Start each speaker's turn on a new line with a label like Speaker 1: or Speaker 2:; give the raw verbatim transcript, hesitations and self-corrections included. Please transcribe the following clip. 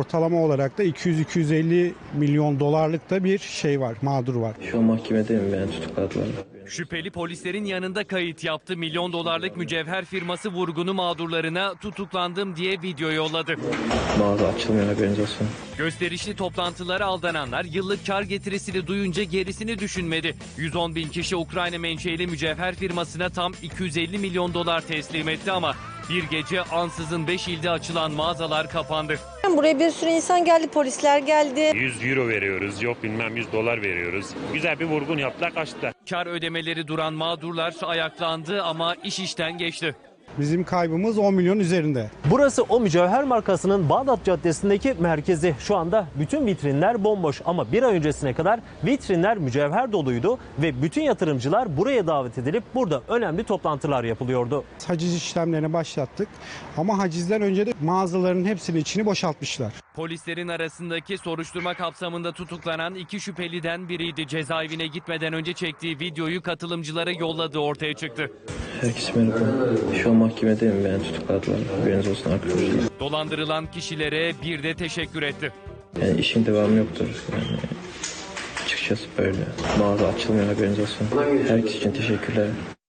Speaker 1: ortalama olarak da iki yüz iki yüz elli milyon dolarlık da bir şey var, mağdur var.
Speaker 2: Şu an mahkemedeyim, ben tutukladılar.
Speaker 3: Şüpheli polislerin yanında kayıt yaptı. Milyon dolarlık mücevher firması vurgunu mağdurlarına tutuklandım diye video yolladı.
Speaker 2: Mağaza açılmıyor, haberiniz olsun.
Speaker 3: Gösterişli toplantılara aldananlar yıllık kar getirisini duyunca gerisini düşünmedi. yüz on bin kişi Ukrayna menşeli mücevher firmasına tam iki yüz elli milyon dolar teslim etti ama bir gece ansızın beş ilde açılan mağazalar kapandı.
Speaker 4: Buraya bir sürü insan geldi, polisler geldi.
Speaker 5: yüz euro veriyoruz, yok bilmem yüz dolar veriyoruz. Güzel bir vurgun yaptılar, kaçtılar.
Speaker 3: Kar ödemeleri duran mağdurlar ayaklandı ama iş işten geçti.
Speaker 1: Bizim kaybımız on milyon üzerinde.
Speaker 6: Burası o mücevher markasının Bağdat Caddesi'ndeki merkezi. Şu anda bütün vitrinler bomboş ama bir ay öncesine kadar vitrinler mücevher doluydu ve bütün yatırımcılar buraya davet edilip burada önemli toplantılar yapılıyordu.
Speaker 1: Haciz işlemlerini başlattık ama hacizden önce de mağazaların hepsinin içini boşaltmışlar.
Speaker 3: Polislerin arasındaki soruşturma kapsamında tutuklanan iki şüpheliden biriydi. Cezaevine gitmeden önce çektiği videoyu katılımcılara yolladığı ortaya çıktı.
Speaker 2: Herkese merhaba. Şu an mahkemedeyim, ben tutukladılar. Haberiniz olsun arkadaşlar.
Speaker 3: Dolandırılan kişilere bir de teşekkür etti.
Speaker 2: Yani işin devamı yoktur. Yani açıkçası böyle. Mağaza açılmıyor, haberiniz olsun. Herkes için teşekkürler.